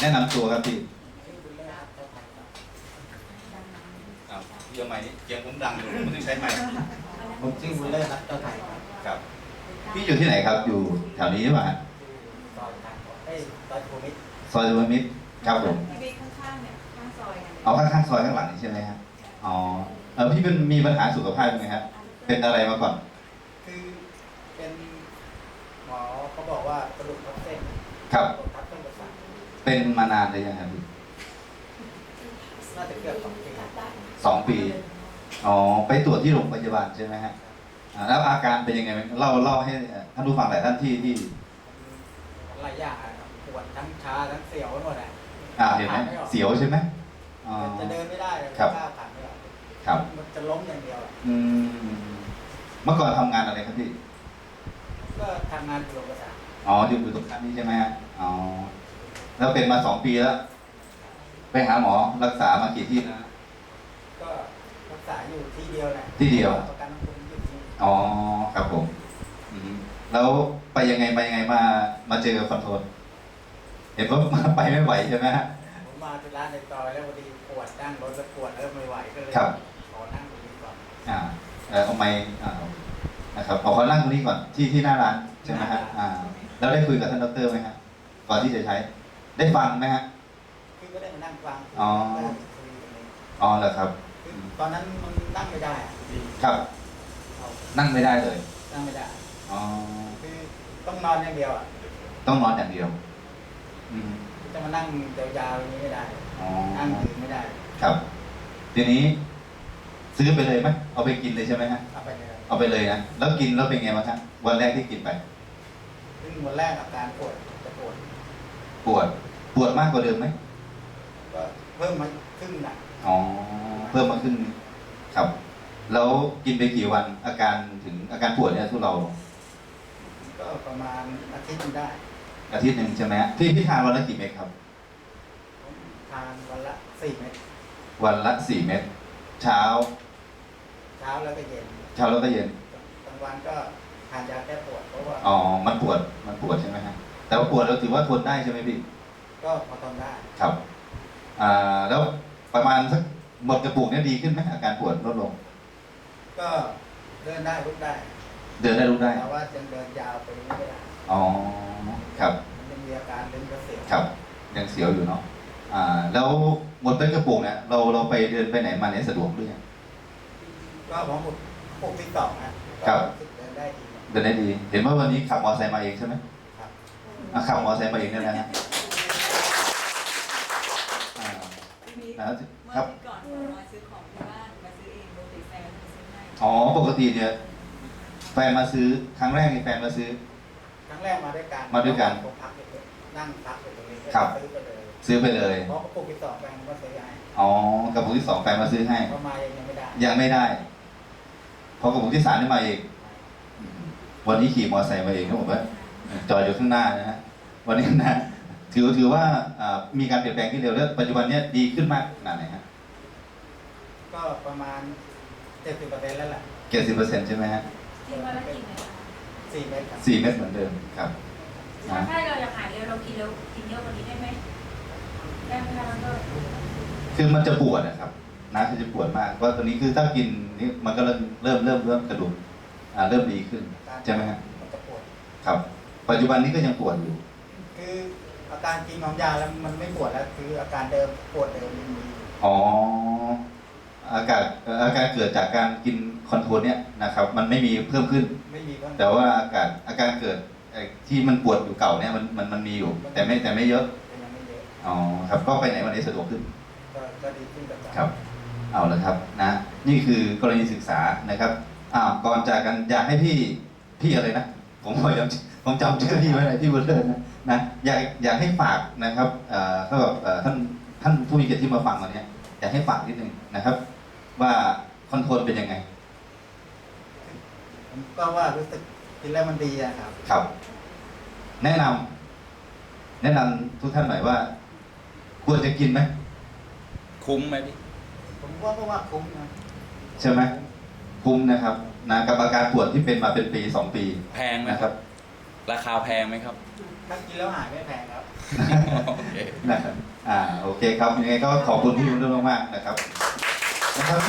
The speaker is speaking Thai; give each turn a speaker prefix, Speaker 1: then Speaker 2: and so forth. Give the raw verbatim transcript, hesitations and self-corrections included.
Speaker 1: นะนำตัวครับพี่ครับพี่เอาไม้นี้เกียงผมดังอยู่ผมต้องใช้ไม้
Speaker 2: ผมชื่อบุญเลิศรัตน์เจ้าไทยครับ
Speaker 1: ครับพี่อยู่ที่ไหนครับอยู่แถวนี้หรือเปล่า
Speaker 2: ซอยทางเอ้ยซอยภูมิตร
Speaker 1: ซอยสุวรรณมิตรครับผม
Speaker 3: ที่บิ๊กข้างๆเนี่ยข้างซอยกัน
Speaker 1: เอาข้างๆซอยข้างหลังนี่ใช่ไหมครับอ๋อเออพี่เป็นมีปัญหาสุขภาพไหมครับเป็นอะไรมาก่อน
Speaker 2: คือเป็นหมอเขาบอกว่ากระดูกทับเส้น
Speaker 1: ครับ
Speaker 2: กระดูกทับเส้นประสาท
Speaker 1: เป็นมานานเลยยังครับพี่
Speaker 2: น่าจะเกือบสองปี
Speaker 1: สองปีอ๋อไปตรวจที่โรงพยาบาลใช่ไหมฮะอ่าแล้วอาการเป็นยังไงเล่าเล่าให้ท่านผู้ฟังหลายท่านที่ที่
Speaker 2: หลายอย่างอะครับปวดทั้งชาทั้งเสียวไปหมดอ่ะ
Speaker 1: อ่าเห็นไหมเสียวใช่ไหมอ๋อ
Speaker 2: จะเดินไม่ได้เลย
Speaker 1: ครับ
Speaker 2: ก้าวขาไม่ออก
Speaker 1: ครับ
Speaker 2: มันจะล้มอย่างเดียวอะ
Speaker 1: อืมเมื่อก่อนทำงานอะไรครับพี่
Speaker 2: ก็ทำงานอยู่โรงพยาบาล
Speaker 1: อ๋ออยู่อยู่ตรงนั้นนี่ใช่ไหมฮะอ๋อแล้วเป็นมาสองปีแล้ว ไปหาหมอรักษามากี่ที่นะ
Speaker 2: ก็รักษาอยู่ที่เดียวแหละ
Speaker 1: ที่เดียว
Speaker 2: ประกันสังคมอยู่ที่นี่
Speaker 1: อ๋อครับผมอืมแล้วไปยังไงไปยังไงมามาเจอคอนโทรลเห็นว่ามาไปไม่ไหวใช่ไหมฮะ
Speaker 2: ผมมาที่ร้านในซอยแล้วพอดีปวดนั่งรถแล้วปวดเริ่มไม่ไหวก็เลย
Speaker 1: ครับ
Speaker 2: ขอนั่งตรงนี้ก่อน
Speaker 1: อ่าเออเอาไม้อ่านะครับเอาขอนั่งตรงนี้ก่อนที่ที่หน้าร้านใช่ไหมฮะอ่าแล้วได้คุยกับท่านดรไหมฮะก่อนที่จะใช้ ได้ฟังไหมฮะ
Speaker 2: คือก็ได้มานั่งฟัง
Speaker 1: อ๋อ
Speaker 2: ได้คุยกันเลย
Speaker 1: อ๋อเหรอครับ
Speaker 2: คือตอนนั้นมันนั่งไม่ได้อะ
Speaker 1: ครับ
Speaker 2: เอา
Speaker 1: นั่งไม่ได้เลย
Speaker 2: นั่งไม่ได้
Speaker 1: อ๋อ
Speaker 2: คือต้องนอนอย่างเดียวอ่ะ
Speaker 1: ต้องนอนอย่างเดียว อืม
Speaker 2: จะมานั่งยาวๆอย่างนี้ไม่ได้
Speaker 1: อ๋อ
Speaker 2: นั่งยืนไม่ได้
Speaker 1: ครับ ทีนี้ ซื้อไปเลยไหมเอาไปกินเลยใช่ไหมฮะ
Speaker 2: เอาไปเลย
Speaker 1: เอาไปเลยนะ แล้วกินแล้วเป็นไงบ้างฮะวันแรกที่กินไป
Speaker 2: ซึ่งวันแรกอาการปวดจะปวด
Speaker 1: ปวด ปวดมากกว่าเดิมไหม
Speaker 2: ก็เพิ่มมาครึ่งหนัก
Speaker 1: อ๋อ เพิ่มมาขึ้นงครับ แล้วกินไปกี่วัน อาการถึงอาการปวดเนี่ยทุเรา
Speaker 2: ก็ประมาณอาทิตย์หนึงได้
Speaker 1: อาทิตย์หนึ่งใช่ไหมฮะพี่พี่ทานวันละกี่เม็ดครับ
Speaker 2: ผมทานวันละสี่เม็ด
Speaker 1: วันละสี่เม็ด เช้า
Speaker 2: เช้าแล้วก็เย็น
Speaker 1: เช้าแล้วก็เย็น
Speaker 2: กลางวันก็ทานยาแก้ปวดเพราะว่า
Speaker 1: อ๋อ มันปวด มันปวดใช่ไหมฮะ แต่ว่าปวดเราถือว่าทนได้ใช่ไหมพี่
Speaker 2: ก็พอทนได้
Speaker 1: ครับ อ่า แล้วประมาณสักหมดกระปุกเนี่ยดีขึ้นไหมอาการปวดลดลง
Speaker 2: ก็เดินได้ลุกได้
Speaker 1: เดินได้ลุกได้
Speaker 2: แต่ว่ายังเดินยาวไปไม่ได้
Speaker 1: อ๋อ ครับ
Speaker 2: มันยังมีอาการดึงกระเสียว
Speaker 1: ครับ ยังเสียวอยู่เนาะ อ่า แล้วหมดเป็นกระปุกเนี่ยเราเราไปเดินไปไหนมาเนี่ยสะดวกหรือยัง
Speaker 2: ก็ผมปลุกปลุกที่สองนะครับ ก็เดินได้ดี
Speaker 1: เดินได้ดี เห็นว่าวันนี้ขับมอเตอร์ไซค์มาเองใช่ไหม
Speaker 2: ครับ
Speaker 1: อ่ะขับมอเตอร์ไซค์มาเองเนี่ยนะฮะอ่า
Speaker 3: มี
Speaker 1: นะ
Speaker 3: เมื่อ
Speaker 1: ครับ
Speaker 3: ที่ก่อนมาซื้อของที่บ้านมาซื้อเองโดยติแฟนมาซื้อให้
Speaker 1: อ๋อ ปกติเนี่ยแฟนมาซื้อ ครั้งแรกนี่แฟนมาซื้อ
Speaker 2: ครั้งแรกมาด้วยกัน
Speaker 1: มาด้วยกัน
Speaker 2: ผมพักอยู่นั่งพักอยู่ตรงนี้
Speaker 1: ครับ
Speaker 2: ซื้อไปเลย
Speaker 1: ซื้อไปเลย
Speaker 2: เพราะปลุกที่สองแฟนก็ซื้อให้
Speaker 1: อ๋อกระปุกที่สองแฟนมาซื้อให้
Speaker 2: เพราะมายังไม่ได้
Speaker 1: ยังไม่ได้ พอกระปุกที่สามนี่มาเอง วันนี้ขี่มอเตอร์ไซค์มาเองนะผมว่าจอดอยู่ข้างหน้านะฮะ วันนี้นะ ถือถือว่าอ่ามีการเปลี่ยนแปลงที่เร็วแล้วปัจจุบันเนี้ยดีขึ้นมากขนาดไหนฮะ
Speaker 2: ก็ประมาณเจ็ดสิบเปอร์เซ็นต์แล้วแหละ
Speaker 1: เจ็ดสิบเปอร์เซ็นต์ใช่ไหมฮะ
Speaker 3: กินวันละกี่เม็ดคะ
Speaker 2: สี่เมตรครับ
Speaker 1: สี่เม็ดเหมือนเดิมครับ
Speaker 3: ถ้าให้เราอยากหายเร็วเรากินเร็วกินเยอะกว่านี้ได้ไหมได้ไหมคะแล้วก็
Speaker 1: คือมันจะปวดนะครับนะคือจะปวดมากเพราะตอนนี้คือถ้ากินนี่มันก็เริ่มเริ่มเริ่มเริ่มกระดูกอ่าเริ่มดีขึ้นใช่ไหมฮะ
Speaker 2: มันจะปวด
Speaker 1: ครับ ปัจจุบันนี้ก็ยังปวดอยู่
Speaker 2: คืออาการกินของยาแล้วมันไม่ปวดแล้วคืออาการเดิมปวดเดิมยังมีอยู่
Speaker 1: อ๋ออากาศเอ่ออาการเกิดจากการกินคอนโทรลเนี่ยนะครับ มันไม่มีเพิ่มขึ้น
Speaker 2: ไม่มีก็
Speaker 1: แต่ว่าอาการอาการเกิดไอ้ที่มันปวดอยู่เก่าเนี่ยมันมันมันมีอยู่ แต่ไม่แต่ไม่เยอะ
Speaker 2: ยังไม่เยอะ
Speaker 1: อ๋อครับก็ไปไหนวันนี้สะดวกขึ้น
Speaker 2: ก็ก็ดีขึ้นกับ
Speaker 1: ครับ เอาละครับนะ นี่คือกรณีศึกษานะครับอ้าวก่อนจากกันอยากให้พี่พี่อะไรนะผมพยายามผมจำชื่อพี่ไว้เลยพี่บุญเลิศนะนะอยากอยากให้ฝากนะครับเอ่อก็เอ่อท่านท่านผู้มีเกียรติที่มาฟังวันนี้อยากให้ฝากนิดนึงนะครับ ว่าคอนโทรลเป็นยังไง
Speaker 2: ผมก็ว่ารู้สึกกินแล้วมันดีอะครับ
Speaker 1: ครับ แนะนำแนะนำทุกท่านหน่อยว่า ควรจะกินไหม
Speaker 4: คุ้มไหมพี่
Speaker 2: ผมว่าก็ว่าคุ้มนะ
Speaker 1: ใช่ไหมคุ้มนะครับนะกับอาการปวดที่เป็นมาเป็นปีสองปี
Speaker 4: แพงไหม
Speaker 1: นะ
Speaker 4: ค
Speaker 1: ค
Speaker 4: รั
Speaker 1: รับ บ
Speaker 4: ราคาแพงไหมครับ
Speaker 2: ถ้ากินแล้วหายไม่แพงครับ
Speaker 4: โอเค
Speaker 1: นะครับอ่าโอเคครับยังไงก็ขอบคุณพี่บุญเรื่องมากๆนะครับนะครับ